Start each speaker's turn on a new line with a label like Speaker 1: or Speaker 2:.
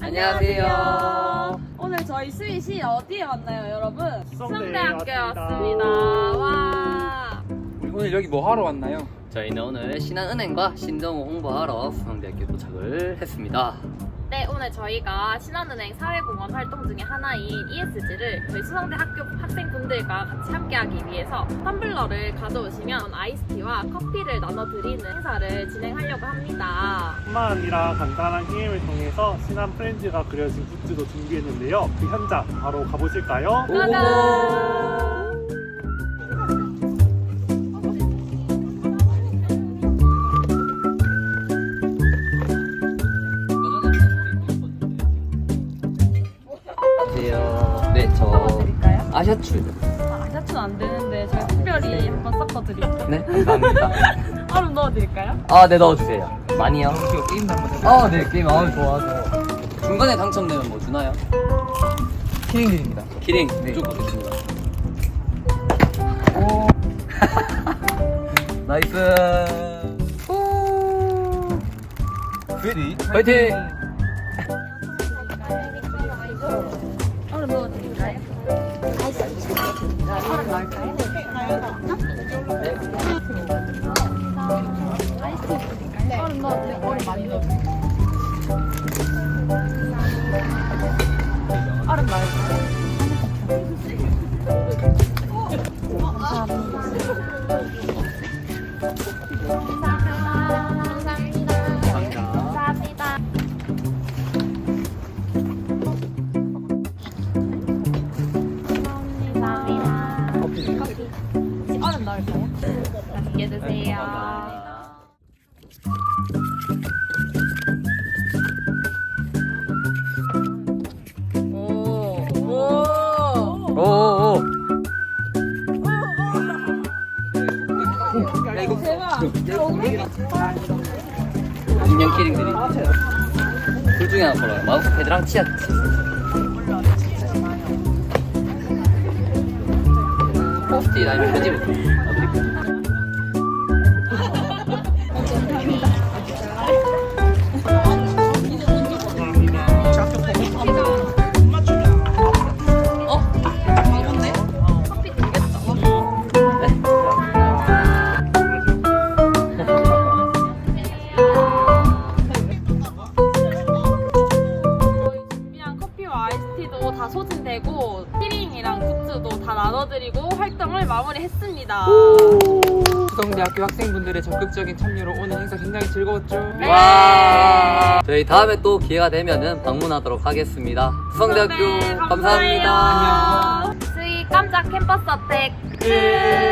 Speaker 1: 안녕하세요.
Speaker 2: 오늘 저희 스윗이 어디에 왔나요, 여러분?
Speaker 3: 수성대학교에
Speaker 2: 왔습니다. 와.
Speaker 1: 오늘 여기 뭐 하러 왔나요?
Speaker 4: 저희는 오늘 신한은행과 신정호 홍보하러 수성대학교 도착을 했습니다.
Speaker 5: 네, 오늘 저희가 신한은행 사회공헌 활동 중에 하나인 ESG를 저희 수성대 학교 학생분들과 같이 함께하기 위해서 텀블러를 가져오시면 아이스티와 커피를 나눠드리는 행사를 진행하려고 합니다.
Speaker 3: 뿐만 아니라 간단한 게임을 통해서 신한 프렌즈가 그려진 굿즈도 준비했는데요. 그 현장 바로 가보실까요?
Speaker 5: 짜잔!
Speaker 4: 네, 저 아셔츠.
Speaker 2: 아셔츠는 안 되는데 저희 특별히 한번 섞어드릴게요.
Speaker 4: 네, 감사합니다.
Speaker 2: 얼음 넣어드릴까요?
Speaker 4: 아, 네, 넣어주세요. 많이요?
Speaker 1: 이거 게임도 한번 해볼까요?
Speaker 4: 아, 네, 게임 좋아서. 중간에 당첨되면 뭐 주나요?
Speaker 1: 키링 드립니다.
Speaker 4: 키링
Speaker 1: 네.
Speaker 4: 쭉 보겠습니다. 나이스.
Speaker 1: 레디?
Speaker 4: 화이팅!
Speaker 2: 얼음 넣어드릴까요? 얼음 넣을까요? 아이스티 드릴까요? 얼음 넣어드릴까요? 얼음 많이 넣어드릴까요? 얼음 넣을까요? 얼음 넣을까요?
Speaker 5: 맛있게 드세요.
Speaker 4: 오오오.
Speaker 1: 야, 이거
Speaker 4: 인형 키링 드림. 둘 중에 하나 걸어요. 마우스패드랑 치약. 포스트잇 아니면 표지부.
Speaker 5: 저희 준비한 커피와 아이스티도 다 소진되고 키링이랑 굿즈도 다 나눠드리고 활동을 마무리했습니다.
Speaker 1: 수성대학교 학생분들의 적극적인 참여로 오늘 행사 굉장히 즐거웠죠?
Speaker 4: 와! 저희 다음에 또 기회가 되면은 방문하도록 하겠습니다. 수성대학교
Speaker 5: 네,
Speaker 4: 감사합니다.
Speaker 5: 스윗 깜짝 캠퍼스 어택 끝!